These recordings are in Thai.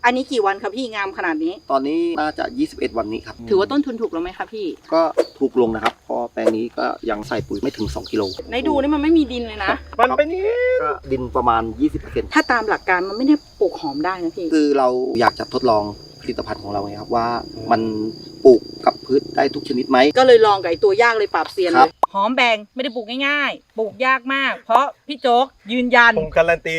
อันนี้กี่วันครับพี่งามขนาดนี้ตอนนี้น่าจะ21วันนี้ครับถือว่าต้นทุนถูกแล้วไหมครับพี่ก็ถูกลงนะครับเพราะแปลงนี้ก็ยังใส่ปุ๋ยไม่ถึง2 กิโลในดูนี่มันไม่มีดินเลยนะมันเป็นนี้ก็ดินประมาณ 20% ถ้าตามหลักการมันไม่ได้ปลูกหอมได้นะพี่คือเราอยากจะทดลองผลิตภัณฑ์ของเราไงครับว่ามันปลูกกับพืชได้ทุกชนิดไหมก็เลยลองกับไอ้ตัวยากเลยปราบเซียนเลยหอมแบงไม่ได้ปลูกง่ายๆปลูกยากมากเพราะพี่โจ๊กยืนยันผมการันตี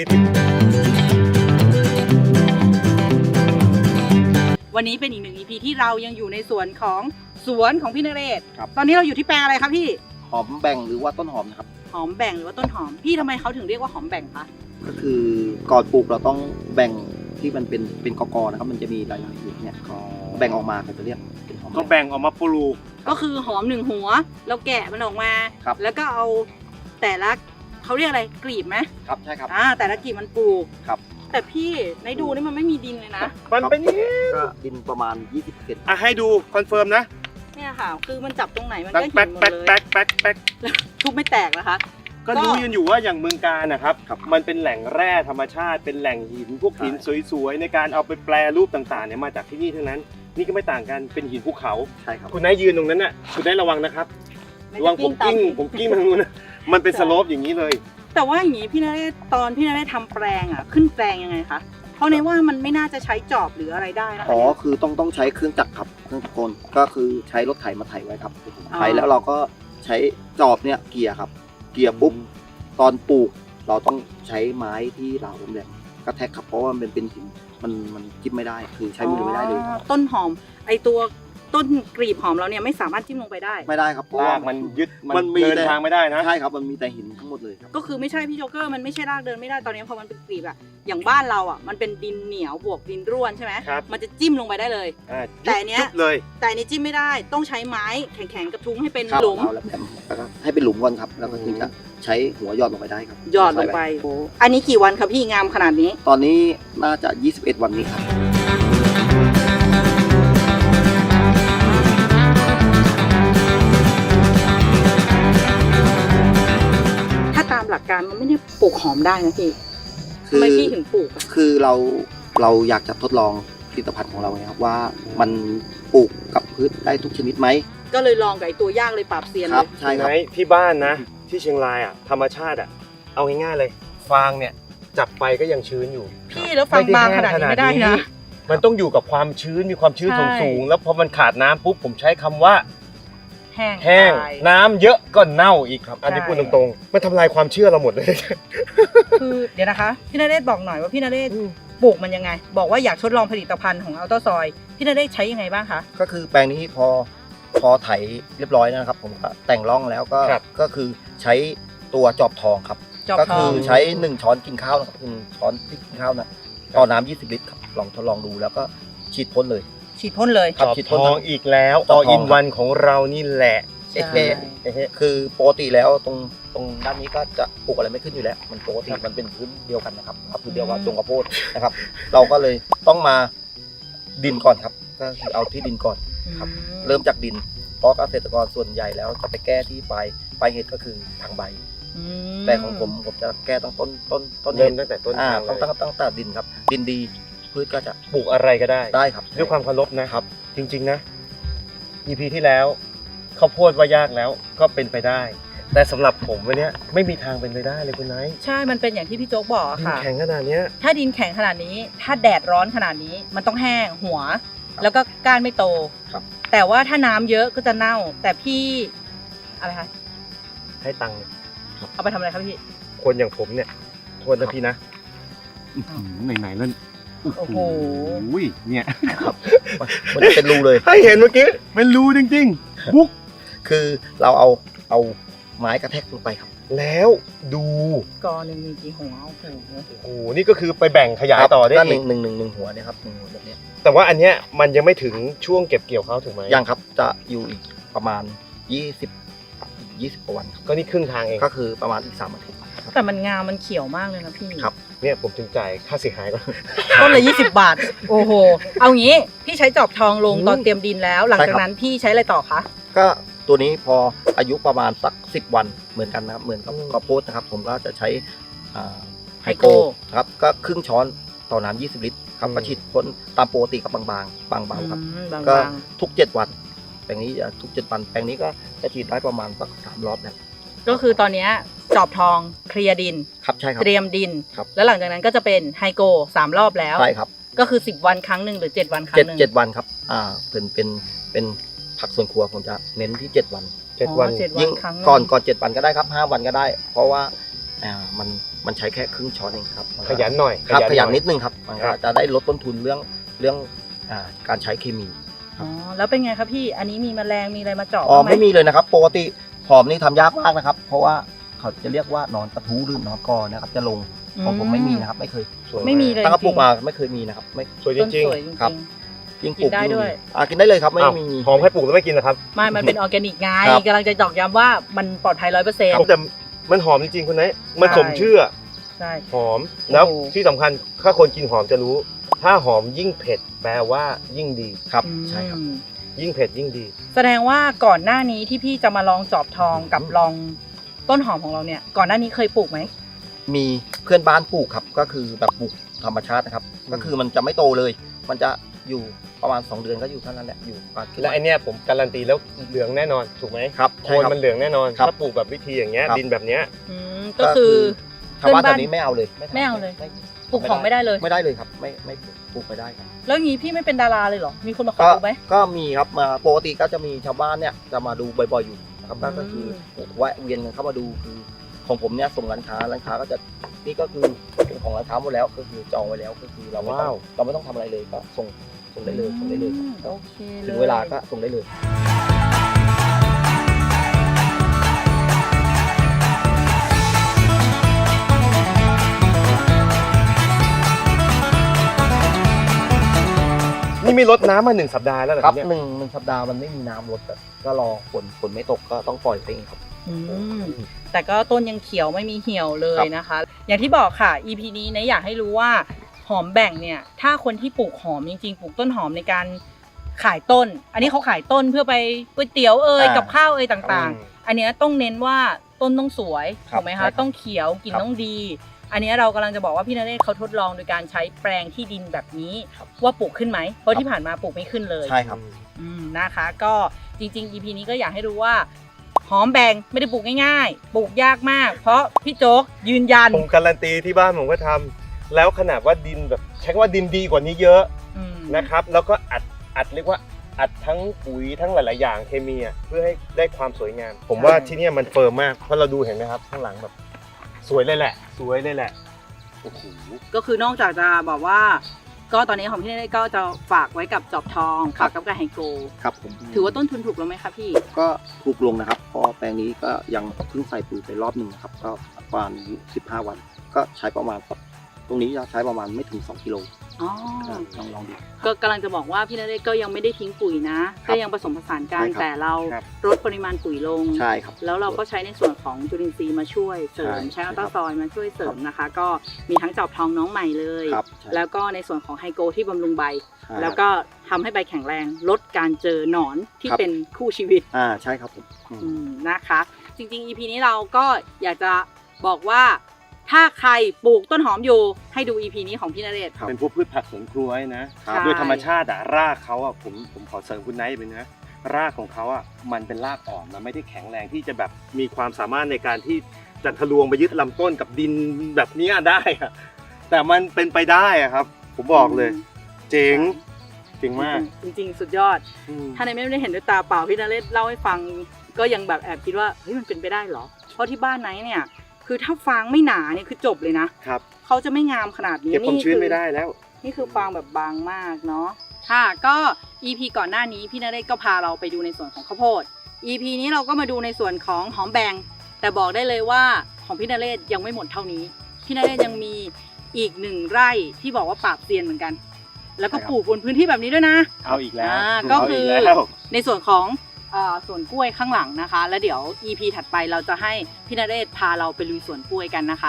วันนี้เป็นอีกหนึ่ง EP ที่เรายังอยู่ในสวนของพี่นเรศตอนนี้เราอยู่ที่แปลงอะไรครับพี่หอมแบ่งหรือว่าต้นหอมนะครับหอมแบ่งหรือว่าต้นหอมพี่ทำไมเขาถึงเรียกว่าหอมแบ่งคะก็คือก่อนปลูกเราต้องแบ่งที่มันเป็นกอนะครับมันจะมีหลายๆอย่างเนี่ยแบ่งออกมาก็จะเรียกเป็นหอมก็แบ่งออกมาปลูกก็คือหอม1 หัวเราแกะมันออกมาแล้วก็เอาแต่ละเขาเรียกอะไรกลีบไหมครับใช่ครับแต่ละกลีบมันปลูกครับแต่พี่ในดูนี่มันไม่มีดินเลยนะมันเป็นนี้ก็ดินประมาณ 20% ให้ดูคอนเฟิร์มนะเนี่ยค่ะคือมันจับตรงไหนมันก็เห็นหมดเลยแป๊กทุบไม่แตกนะคะก็รู้กันอยู่ว่าอย่างเมืองกาญนะครับมันเป็นแหล่งแร่ธรรมชาติเป็นแหล่งหินพวกหินสวยๆในการเอาไปแปรรูปต่างๆเนี่ยมาจากที่นี่ทั้งนั้นนี่ก็ไม่ต่างกันเป็นหินภูเขาใช่ครับคุณนายยืนตรงนั้นน่ะคุณนายระวังนะครับระวังผมกิ้งมันนู้นมันเป็นสโลปอย่างนี้เลยแต่ว่าอย่างนี้พี่นเรศตอนพี่นเรศทำแปลงขึ้นแปลงยังไงคะเพราะในว่ามันไม่น่าจะใช้จอบหรืออะไรได้นะคะคือต้องใช้เครื่องจักรครับเครื่องจักรกลก็คือใช้รถไถมาไถไว้ครับไถแล้วเราก็ใช้จอบเนี่ยเกี่ยครับเกี่ยปุ๊บตอนปลูกเราต้องใช้ไม้ที่เหลาแหลมกระแทกครับเพราะว่ามันเป็นหินมันจิ้มไม่ได้คือใช้มือไม่ได้เลยต้นหอมไอตัวต้นกลีบหอมเราเนี่ยไม่สามารถจิ้มลงไปได้ไม่ได้ครับเพราะว่ามันยึดมันเดินทางไม่ได้นะใช่ครับมันมีแต่หินทั้งหมดเลยครับก็คือไม่ใช่พี่โจ๊กเกอร์มันไม่ใช่รากเดินไม่ได้ตอนนี้พอมันเป็นกลีบอย่างบ้านเรามันเป็นดินเหนียวบวกดินร่วนใช่ไหมมันจะจิ้มลงไปได้เลยแต่เนี้ยจิ้มไม่ได้ต้องใช้ไม้แข็งๆกระทุ้งให้เป็นหลุมแล้วก็ให้เป็นหลุมก่อนครับแล้วก็ถึงจะใช้หัวหยอดลงไปได้ครับหยอดลงไปอันนี้กี่วันครับพี่งามขนาดนี้ตอนนี้น่าจะ21 วันนี้ครับหลักการมันไม่ได้ปลูกหอมได้นะพี่ทำไมพี่ถึงปลูกคือเราอยากจะทดลองผลิตภัณฑ์ของเราไงครับว่ามันปลูกกับพืชได้ทุกชนิดไหมก็เลยลองกับไอ้ตัวยากเลยปราบเซียนเลยใช่ครับที่บ้านนะที่เชียงรายธรรมชาติเอาง่ายๆเลยฟางเนี่ยจับไปก็ยังชื้นอยู่พี่แล้วฟางบางขนาดนี้ไม่ได้นะมันต้องอยู่กับความชื้นมีความชื้นสูงแล้วพอมันขาดน้ำปุ๊บผมใช้คำว่าแห้งน้ำเยอะก็เน่าอีกครับอันนี้พูดตรงๆมันทำลายความเชื่อเราหมดเลยคือเดี๋ยวนะคะพี่นเรศบอกหน่อยว่าพี่นเรศปลูกมันยังไงบอกว่าอยากทดลองผลิตภัณฑ์ของอัลต้าซอยพี่นเรศใช้ยังไงบ้างคะก็คือแปลงนี้พอไถเรียบร้อยนะครับผมก็แต่งร่องแล้วก็คือใช้ตัวจอบทองครับก็คือใช้1 ช้อนกินข้าวนะครับ1 ช้อนพริกกินข้าวนะต่อน้ำ20 ลิตรครับลองทดลองดูแล้วก็ฉีดพ่นเลยจอบทองอีกแล้วต่ออินวันของเรานี่แหละคือปกติแล้วตรงด้านนี้ก็จะปลูกอะไรไม่ขึ้นอยู่แล้วมันปกติมันเป็นพื้นเดียวกันนะครับพื้นเดียวกับตรงกระโพดนะครับเราก็เลยต้องมาดินก่อนครับก็คือเอาที่ดินก่อนครับเริ่มจากดินเพราะเกษตรกรส่วนใหญ่แล้วจะไปแก้ที่ปลายเหตุก็คือทางใบแต่ของผมจะแก้ต้นเริ่มตั้งแต่ต้นตั้งแต่ดินครับดินดีพืชก็จะปลูกอะไรก็ได้ครับด้วยความเคารพนะครับจริงๆนะ EP ที่แล้วข้าวโพดว่ายากแล้วก็เป็นไปได้แต่สำหรับผมวันนี้ไม่มีทางเป็นไปได้เลยคุณไนท์ใช่มันเป็นอย่างที่พี่โจ๊กบอกค่ะดินแข็งขนาดนี้ถ้าดินแข็งขนาดนี้ถ้าแดดร้อนขนาดนี้มันต้องแห้งหัวแล้วก็ก้านไม่โตแต่ว่าถ้าน้ำเยอะก็จะเน่าแต่พี่อะไรคะให้ตังค์เอาไปทำอะไรครับพี่คนอย่างผมเนี่ยโทษนะพี่นะไหนแล้วโอ้โหเนี่ยมันเป็นรูเลยให้เห็นเมื่อกี้เป็นรูจริงๆบุ๊กคือเราเอาไม้กระแทกลงไปครับแล้วดูกอหนึ่งมีกี่หัวโอ้โหนี่ก็คือไปแบ่งขยายต่อได้อีกหนึ่งหัวเนี่ยครับ1 หัวแบบนี้แต่ว่าอันเนี้ยมันยังไม่ถึงช่วงเก็บเกี่ยวเขาถูกไหมยังครับจะอยู่อีกประมาณ20 กว่าวันก็นี่ครึ่งทางเองก็คือประมาณอีก3 อาทิตย์แต่มันงามมันเขียวมากเลยนะพี่ครับเนี่ยผมถึงจ่ายค่าเสียหายก่อนต้นละ20 บาทโอ้โหเอางี้พี่ใช้จอบทองลงตอนเตรียมดินแล้วหลังจากนั้นพี่ใช้อะไรต่อคะก็ตัวนี้พออายุประมาณสัก10 วันเหมือนกันนะครับเหมือนกับข้าวโพดนะครับผมก็จะใช้ไฮโกครับก็ครึ่งช้อนต่อน้ำ20 ลิตรครับก็ฉีดพ่นตามปกติกับบางเบาครับบางก็ๆทุก7 วันแปลงนี้จะทุก7 วันแปลงนี้ก็จะฉีดได้ประมาณสัก3 รอบแล้วก็คือตอนเนี้ยจอบทองเคลียร์ดินครับใช่ครับเตรียมดินครับแล้วหลังจากนั้นก็จะเป็นไฮโก3 รอบแล้วใช่ครับก็คือ10 วันครั้งหนึ่งหรือ7 วันครั้งหนึ่ง 7 วันครับเป็นผักสวนครัวผมจะเน้นที่7 วัน 7 วันอ๋อ7 ยิ่งครั้งหนึ่งก่อน7 วันก็ได้ครับ5 วันก็ได้ เพราะว่ามันใช้แค่ครึ่งช้อนเองครับขยันหน่อยครับขยันหนิดนึงครับมันก็จะได้ลดต้นทุนเรื่องการใช้เคมีอ๋อแล้วเป็นไงครับพี่อันนี้มีแมลงมีอะไรมาเจาะอ๋อบ้างไหมไม่มีเลยนะครับปกติหอมนี่ทำยากมากนะครับ เพราะว่าเขาจะเรียกว่าหนอนกระทู้หรือหนอนกอนะครับจะลงของผมไม่มีนะครับไม่เคยสวยากไม่มีเลยตั้งกระปุกมาไม่เคยมีนะครับไม่สวยจต้นริงสวยจครัริบงยิ่งปกิลูนกได้ยิ่งด้วยกินได้เลยครับๆไม่อ้าวมีหอมให้ปลูกแล้วไม่กินนะครับๆไม่มันเป็นออร์แกนิกไงครับกำลังจะตอกย้ำว่ามันปลอดภัย100% แต่มันหอมจริงๆคุณนายมันสมชื่อใช่หอมแล้วโอ้โหที่สำคัญถ้าคนกินหอมจะรู้ ถ้าหอมยิ่งเผ็ดแปลว่ายิ่งดีครับใช่ครับอืมยิ่งเผ็ดยิ่งดีแสดงว่าก่อนหน้านี้ที่พี่จะมาลองจอบทองกับลองต้นหอมของเราเนี่ยก่อนหน้านี้เคยปลูกไหมมีเพื่อนบ้านปลูกครับก็คือแบบปลูกธรรมชาตินะครับอืมก็คือมันจะไม่โตเลย มันจะอยู่ประมาณ2 เดือนก็อยู่เท่านั้นแหละอยู่ประมาณและไอเนี้ยผมการันตีแล้วเหลืองแน่นอนถูกไหมครับโคใช่นครับมันเหลืองแน่นอนครับถ้าปลูกแบบวิธีอย่างเงี้ยครับดินแบบเนี้ยก็คือชาวบ้านเพื่อนบ้านแถวนี้ไม่เอาเลยทำไม่เอาเลยไม่ปลูกหอมไม่ได้เลยไม่ได้เลยครับไม่ปลูกไม่ได้ครับแล้วงี้พี่ไม่เป็นดาราเลยเหรอมีคนมาขอก็ปลูกไหมก็มีครับมาปกติก็จะมีชาวบ้านเนี่ยจะมาดูบ่อยๆอยู่นะครับอืมก็คือแวะเวียนกันเข้ามาดูคือของผมเนี่ยส่งร้านค้าก็จะนี่ก็คือเป็นของร้านค้าหมดแล้วก็คือจองไว้แล้วก็คือเราไม่ต้องว้าวเราไม่ต้องทำอะไรเลยก็ส่งได้เลยส่งได้เลยโอเคเลยถึงเวลาก็ส่งได้เลยนี่ไม่ลดน้ำมา1 สัปดาห์แล้วเหรอครับเนี่ยหนึ่งสัปดาห์มันไม่มีน้ำลดแบบก็รอฝนไม่ตกก็ต้องปล่อยไปเองครับอืมแต่ก็ต้นยังเขียวไม่มีเหี่ยวเลครัยบนะคะ อย่างที่บอกค่ะ EP นี้นะอยากให้รู้ว่าหอมแบ่งเนี่ย ถ้าคนที่ปลูกหอมจริงๆ ปลูกต้นหอมในการขายต้น อันนี้เขาขายต้นเพื่อไปก๋วยเตี๋ยวกับข้าวต่างๆ อันเนี้ยต้องเน้นว่าต้นต้องสวยครับถูกไหมใช่คะครับต้องเขียวกลิ่นครับต้องดี อันเนี้ยเรากำลังจะบอกว่าพี่นเรศเขาทดลองโดยการใช้แปลงที่ดินแบบนี้ครับว่าปลูกขึ้นไหมเพราะครับที่ผ่านมาปลูกไม่ขึ้นเลยใช่ครับนะคะ ก็จริงๆ EP นี้ก็อยากให้รู้ว่าหอมแบ่งไม่ได้ปลูกง่ายๆ ปลูกยากมาก เพราะพี่โจ๊กยืนยันผมการันตีที่บ้านผมก็ทำแล้วขนาดว่าดินแบบใช้คำว่าดินดีกว่านี้เยอะอืมนะครับ แล้วก็อัดเรียกว่าอัดทั้งปุ๋ยทั้งหลายๆอย่างเคมีอ่ะเพื่อให้ได้ความสวยงาม ผมว่าที่เนี่ยมันเฟิร์มมากเพราะเราดูเห็นไหมครับข้างหลังแบบสวยเลยแหละสวยเลยแหละโอ้โหก็คือนอกจากจะบอกว่า ก็ตอนนี้ของพี่นเรศก็จะฝากไว้กับจอบทองครัฝาบกกับการไฮโกครับผมถือว่าต้นทุนถูกแล้วไหมคะพี่ก็ถูกลงนะครับเพราะแปลงนี้ก็ยังเพิ่งใส่ปุ๋ยไปรอบหนึ่งนะครับก็ประมาณ15 วัน ก็ใช้ประมาณสักตรงนี้จะใช้ประมาณไม่ถึง2 กิโลอ๋อลองดูก็กำลังจะบอกว่าพี่นเรศก็ยังไม่ได้ทิ้งปุ๋ยนะครับก็ยังผสมผสานกันใช่ครับแต่เราครับลดปริมาณปุ๋ยลงใช่ครับแล้วเราก็ใช้ในส่วนของจุลินทรีย์มาช่วยเสริมใช่ใช้อัลตราซอยด์มาช่วยเสริมครับนะคะ ก็มีทั้งจอบทองน้องใหม่เลยครับใช่แล้วก็ในส่วนของไฮโกที่บำรุงใบใช่แล้วก็ทำให้ใบแข็งแรงลดการเจอหนอนที่ครับเป็นคู่ชีวิตใช่ครับผมนะคะ จริงๆ EP นี้เราก็อยากจะบอกว่าถ้าใครปลูกต้นหอมอยู่ให้ดู EP นี้ของพี่นเรศครับเป็นพวกพืชผักสวนครัวนะใช่โดยธรรมชาติรากเขาผมขอเสริมคุณไนท์ไปนะรากของเขามันเป็นรากอ่อนมันไม่ได้แข็งแรงที่จะแบบมีความสามารถในการที่จะทะลวงไปยึดลำต้นกับดินแบบเนี้ยได้อะแต่มันเป็นไปได้อะครับ ผมบอกเลย เจ๋งมากจริงๆ สุดยอด ถ้าในไม่ได้เห็นด้วยตาเปล่าพี่นเรศเล่าให้ฟังก็ยังแบบแอบคิดว่าเฮ้ยมันเป็นไปได้เหรอ เพราะที่บ้านไหนเนี่ยคือถ้าฟางไม่หนาเนี่ยคือจบเลยนะครับ เขาจะไม่งามขนาดนี้เก็บความชื้นไม่คือได้แล้วนี่คือฟางแบบบางมากเนาะค่ะก็ EP ก่อนหน้านี้พี่นเรศก็พาเราไปดูในส่วนของข้าวโพด EP นี้เราก็มาดูในส่วนของหอมแบงแต่บอกได้เลยว่าของพี่นเรศยังไม่หมดเท่านี้พี่นเรศยังมีอีก1 ไร่ที่บอกว่าปราบเซียนเหมือนกัน แล้วก็ปลูกบนพื้นที่แบบนี้ด้วยนะเอาอีกแล้วก็เอาคือีอกแล้วในส่วนของสวนกล้วยข้างหลังนะคะ แล้วเดี๋ยว EP ถัดไปเราจะให้พี่นเรศพาเราไปลุยสวนกล้วยกันนะคะ